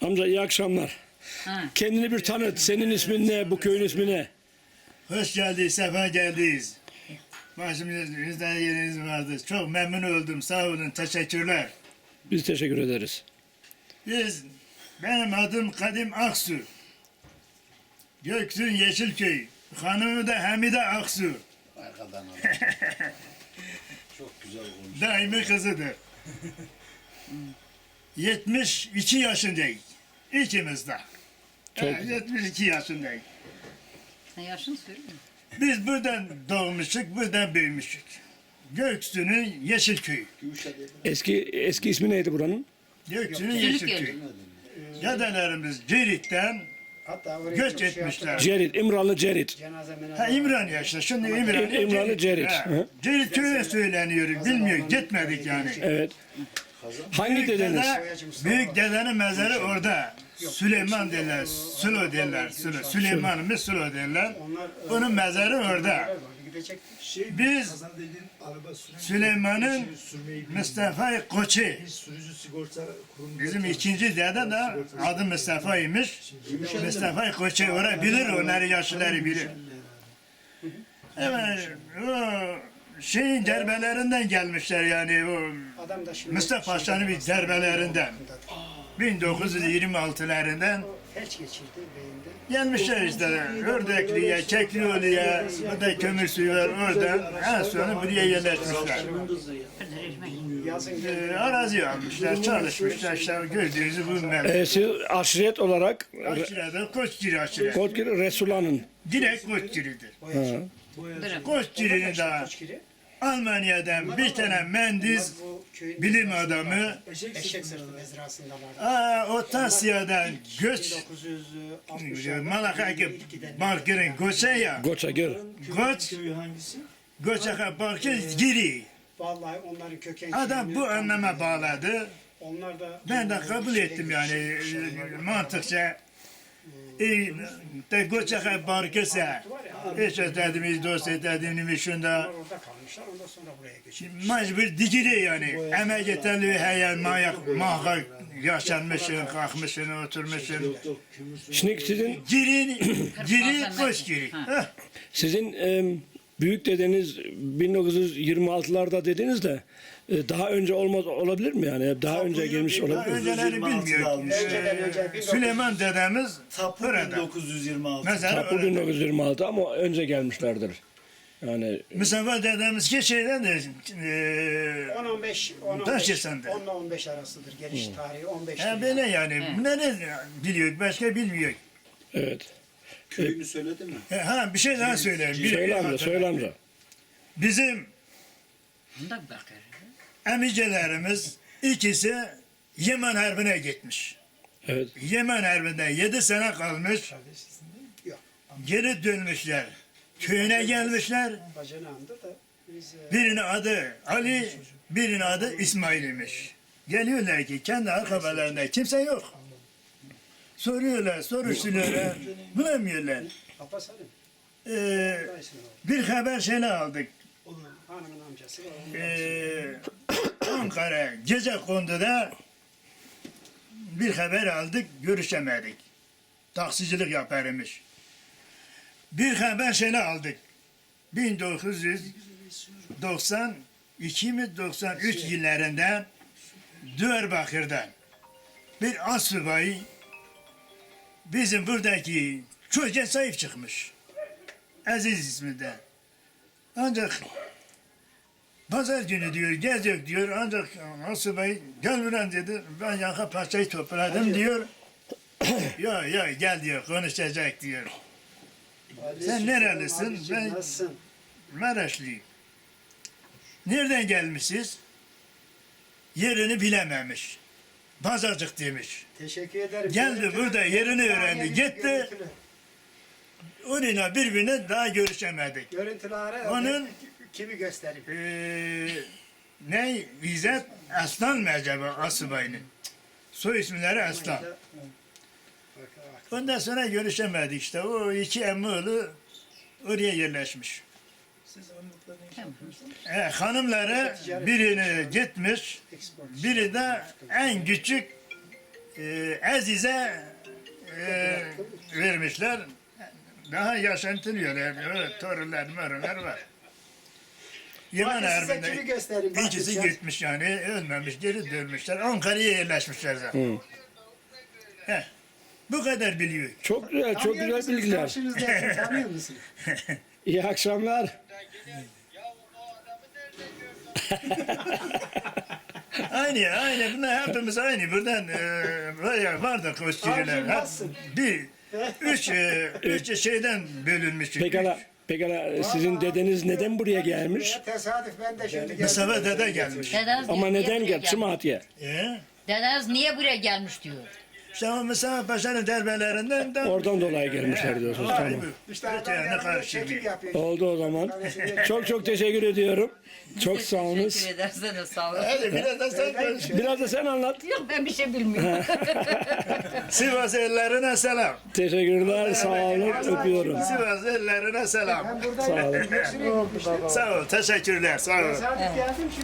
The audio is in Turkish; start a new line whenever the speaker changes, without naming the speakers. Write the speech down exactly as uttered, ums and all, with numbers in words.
Amca iyi akşamlar.
Ha.
Kendini bir tanıt. Senin ismin ne? Bu köyün ismi ne?
Hoş geldiniz, sefa geldiniz. Başımızda yeriniz vardı. Çok memnun oldum. Sağ olun, teşekkürler.
Biz teşekkür ederiz.
Biz, benim adım Kadim Aksu. Göktürk Yeşilköy. Hanımı da Hamide Aksu.
Arkadan al. Çok güzel olmuş.
Daimi kızıdır. yetmiş iki yaşındayız. İkimiz de.
Çok
Ha, yetmiş iki yaşındayız.
Sen yaşını söyle.
Biz buradan doğmuştuk, buradan büyümüştük. Göksu'nun Yeşilköyü.
Eski eski ismi neydi buranın?
Göksu'nun
Yeşilköy.
Yeşilköyü. Dedelerimiz Cirit'ten
Hatta oraya
göç
çok şey
etmişler.
yaptılar.
Cerit, İmralı Cerit.
Cenaze menaze
Ha İmraniye işte, şimdi İmraniye.
İm- İmralı Cerit.
Ha,
Hı.
Cirit köyü söyleniyor, bilmiyor, gitmedik yani.
Evet. Hangi
Büyük
dedeniz?
dede, büyük dedenin mezarı orada. Süleyman derler, Sülo derler, Sülo. Süleyman'ımız Sülo derler. Onun mezarı orada.
Gidecektik.
Şey,
Biz
kazan dediğin araba süren-
Süleyman'ın
Şimdi sürmeyi bilmiyor.
Mustafa Koçu.
Biz sürücü sigorta kurumunda
Bizim
çalışıyoruz.
ikinci dede de adı Mustafa'ymış. Mustafa Koçu orayı bilir, onları yaşlıları bilir. Evet, o şeyin derbelerinden gelmişler yani o
Adam da şimdi
Mustafa Paşa'nın bir derbelerinden. bin dokuz yüz yirmi altılarından
felç geçirdi beyinde.
gelmişler işte Ördekli'ye, Keklioğlu'ya, bu da kömür suyu var oradan. En sonra buraya yerleşmişler.
Yazın
Ee, arazi almışlar, çalışmışlar işte gördüğünüzü bu memleket.
Ee, siz aşiret olarak
Aşirede Koçgiri aşire.
Kodgir Resulan'ın.
Direkt Koçgiri'dir.
Bırak.
Koçgiri'nin de
Koçgiri.
Almanya'dan bir tane mendiz
Bu köyün
bilim adamı
eşek sırtı mezrasında vardı.
aa, o Tasya'dan göç
bin dokuz yüz altmışlarda
Malakaki Balkır'ın göçe ya.
Goça gör.
Göç,
Köyü hangisi?
göçe Balkır giri.
Vallahi onların köken
Adam
köyünü
bu
tam
anlama
bilmiyorum.
bağladı.
Onlar da
Ben de kabul ettim yani e, mantıkça. E, de göçe Balkır'sa hiç ötediğimiz, dost ötediğimiz şunda
Onlar orada kalmışlar. Ondan sonra buraya göçmüşler.
mecbur dikili yani. Emek yeterli heyen mayak mahka yaşanmışsın, kalkmışsın, oturmuşsun.
Şimdi sizin
Girin, giri, koş giri. Heh.
sizin e, büyük dedeniz bin dokuz yüz yirmi altılarda dediniz de e, daha önce olmaz olabilir mi yani? Daha önce gelmiş
Daha
olabilir mi?
önceleri bilmiyor.
Önceden önce
Ee, Süleyman dedemiz
Tapu
burada.
bin dokuz yüz yirmi altı.
Mesela
Tapu bin dokuz yüz yirmi altı ama önce gelmişlerdir. Yani
Mustafa dedemiz ki şeyden de e,
on on beş on
Taş
on beş
yesende.
on ile on beş arasıdır. Geliş tarihi on beş.
he, böyle yani. Bunları biliyor, başka bilmiyor.
evet.
Köyünü söyledi mi?
He, ha bir şey daha söyleyeyim. Bir-
Söyle amca, söyle amca.
Bizim
Bunda bakar.
emicelerimiz ikisi Yemen Harbi'ne gitmiş.
Evet.
Yemen Harbi'nde yedi sene kalmış.
Yok.
Geri dönmüşler. Köyüne gelmişler.
Bacanağımdır da biz e,
Birinin adı Ali, birinin adı İsmail imiş. Geliyorlar ki kendi arkabalarında kimse yok. Soruyorlar, soruşturuyorlar, bulamıyorlar.
Abbas Halim.
Ee,
Dayısının oğlu.
bir haber şeyle aldık.
Hanımın amcası var. onun
Ee, Ankara gece konduda bir haber aldık, görüşemedik. Taksicilik yaparmış. Bir haber şeyle aldık. bin dokuz yüz doksan iki mi doksan üç yıllarında Diyarbakır'dan bir asubay bizim buradaki çocuğa sahip çıkmış. Aziz isminde. Ancak pazar günü diyor, geziyor diyor. Ancak asubay gel buraya dedi. Ben yaka parçayı topladım diyor. ya ya gel diyor, konuşacak diyor.
Ali
Sen
Sultan
nerelisin?
Ali'cim,
Ben-
Nasılsın?
Maraşlıyım. Nereden gelmişsiniz? Yerini bilememiş. Pazarcık demiş.
Teşekkür ederim.
Geldi
Görüntülü-
burada, yerini öğrendi,
Görüntülü-
gitti.
görüntülü.
Onunla birbirine daha görüşemedik.
Görüntüleri
Onun-
kimi göstereyim?
Ee, ne? İzzet Aslan mı acaba Asubay'ın? Soy isimleri Aslan.
Bak, bak.
Ondan sonra görüşemedik işte. O iki emmi oğlu oraya yerleşmiş.
Siz anlatların
Tamam.
E, hanımları birini gitmiş,
Export.
biri de en küçük e, Aziz'e e, vermişler. Daha yaşantılıyorlar. Evet, torunlar, morunlar var. Yaman
Bakın size kimi
Harbi'nde
göstereyim. Bakın
ikisi
ya.
gitmiş yani, ölmemiş, geri dönmüşler. Ankara'ya yerleşmişler zaten. Heh, bu kadar biliyor.
Çok güzel, çok
Tanıyor
güzel
musunuz?
bilgiler.
Karşınızdaki tanıyor musun?
İyi akşamlar.
Aynı, aynı. Bunlar hepimiz aynı. Buradan e, bayağı vardır kostümler.
Abicim,
Hep
nasılsın?
Bir, üç, e, üç şeyden bölünmüş.
Pekala, pekala sizin dedeniz neden buraya gelmiş?
Ya, tesadüf ben de şimdi geldim.
Mustafa dede gelmiş.
Dedeniz
Ama
niye
neden
buraya
geldi? Çımatiye.
E?
Dedeniz niye buraya gelmiş diyor.
İşte o Mustafa Paşa'nın derbelerinden de
Oradan dolayı gelmişler diyorsunuz.
Vay
Tamam.
bu.
İşte
Öte
adam
yana
yanında
karşı
çekim
bir.
yapıyor.
Oldu o zaman. Çok çok teşekkür ediyorum. Çok sağ olunuz.
Teşekkür ederseniz sağ olun.
Hadi biraz da sen konuş.
Biraz da sen anlat.
Yok ben bir şey bilmiyorum.
Sivas ellerine selam.
Teşekkürler, sağ olun, öpüyorum.
Sivas ellerine selam.
Ben
Sağ olun.
buradayım. Hepsini gitmiştim.
Sağ ol, teşekkürler, sağ ol.
Tesadüf geldim.